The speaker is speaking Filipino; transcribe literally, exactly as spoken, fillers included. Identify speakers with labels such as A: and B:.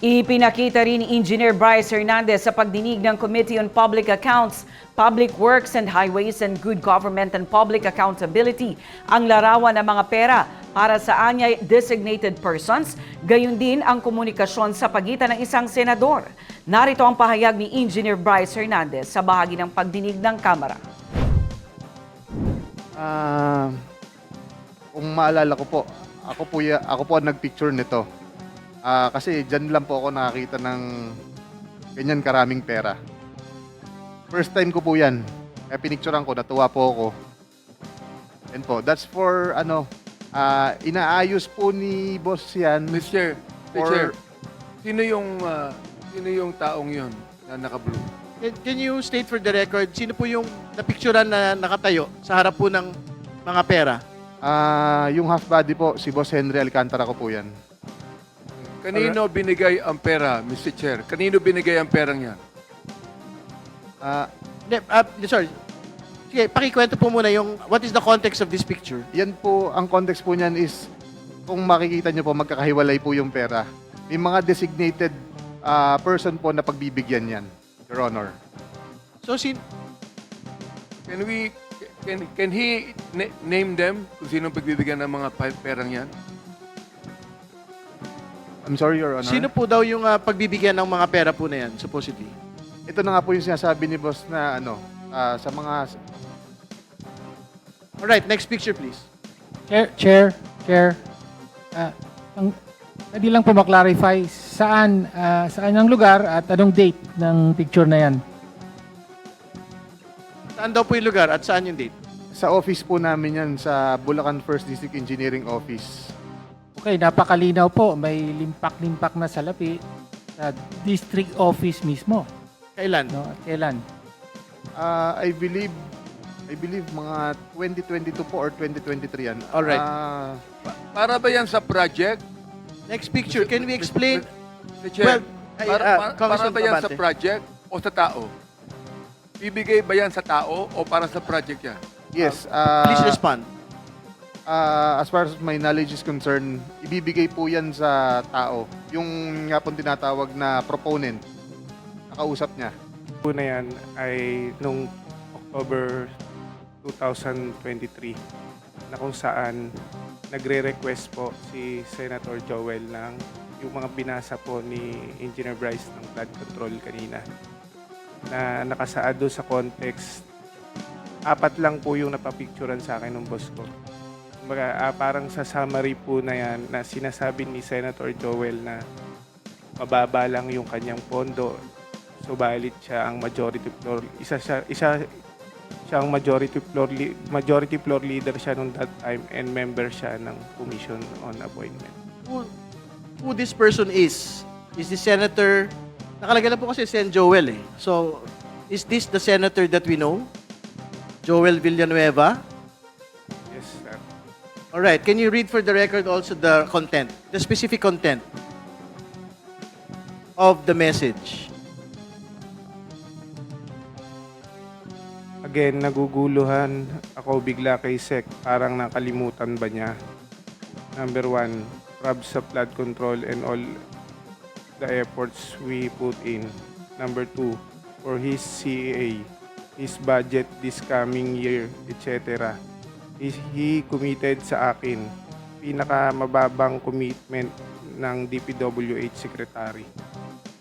A: Ipinakita rin ni Engineer Bryce Hernandez sa pagdinig ng Committee on Public Accounts, Public Works and Highways and Good Government and Public Accountability ang larawan ng mga pera para sa anyay designated persons, gayon din ang komunikasyon sa pagitan ng isang senador. Narito ang pahayag ni Engineer Bryce Hernandez sa bahagi ng pagdinig ng Kamara.
B: Ah, kung maalala ko po, ako po, ya- ako po ang nagpicture nito. Ah, kasi dyan lang po ako nakakita ng ganyan karaming pera. First time ko po yan. Kaya pinicturean ko, natuwa po ako. And po, that's for ano, ah, inaayos po ni boss yan.
C: mister Chair, mister
B: Or-
C: Chair, sino yung ah, sino yung taong yon na naka-blue?
D: Can, can you state for the record, sino po yung napicturean na nakatayo sa harap po ng mga pera?
B: Ah, yung half body po, si Boss Henry Alcantara ko po yan.
C: Kanino binigay ang pera, mister Chair? Kanino binigay ang perang yan?
B: Ah,
D: Hindi, ah, sorry. Sige, pakikwento po muna yung what is the context of this picture?
B: yan po, ang context po niyan is, kung makikita niyo po, magkakahiwalay po yung pera. May mga designated ah, person po na pagbibigyan yan, Your Honor.
D: So, sin
C: Can we can can he na- name them kung sino pagbibigyan ng mga pa- perang yan?
B: I'm sorry, Your Honor.
D: sino po daw yung ah, pagbibigyan ng mga pera po na yan, supposedly?
B: Ito na nga po yung sinasabi ni boss na ano, ah, sa mga...
D: Alright, next picture please.
E: Chair, Chair, Chair, ah, ang, pwede lang po maklarify saan, ah, saan ang lugar at anong date ng picture na yan.
D: Saan daw po yung lugar at saan yung date?
B: Sa office po namin yan, sa Bulacan First District Engineering Office.
E: Okay, napakalinaw po. May limpak-limpak na salapi sa district office mismo.
D: Kailan?
E: No? At kailan?
B: Ah, I believe, I believe mga twenty twenty-two po or twenty twenty-three yan.
D: Alright.
B: Ah,
C: Pa- para ba yan sa project?
D: Next picture, can we explain?
C: mister Chair,
D: Well, ay,
C: para,
D: ah,
C: para, para
D: Congressman
C: ba yan sa
D: Abante.
C: project o sa tao? Bibigay ba yan sa tao o para sa project yan?
B: yes. ah,
D: Please respond.
B: ah, as far as my knowledge is concerned, ibibigay po yan sa tao. Yung nga pong tinatawag na proponent, nakausap niya.
F: po na yan ay nung October twenty twenty-three na kung saan nagre-request po si Senator Joel ng yung mga binasa po ni Engineer Bryce ng flood control kanina na nakasaad doon sa context. Apat lang po yung napapicturan sa akin ng boss ko. Kumbaga, ah, parang sa summary po na yan na sinasabi ni Senator Joel na mababa lang yung kanyang pondo. Subalit siya ang majority floor isa siya isa siya ang majority floor li- majority floor leader siya nung that time and member siya ng commission on appointment.
D: Who, who this person is? Is this senator? Nakalagay na po kasi Sen Joel eh. So, is this the senator that we know? Joel Villanueva?
F: Yes, sir.
D: Alright, can you read for the record also the content, the specific content of the message?
F: Again, naguguluhan ako bigla kay Sec. Parang nakalimutan ba niya? Number one, prob sa flood control and all the efforts we put in. Number two, for his C A A, his budget this coming year, et cetera. He, he committed sa akin pinakamababang commitment ng D P W H Secretary.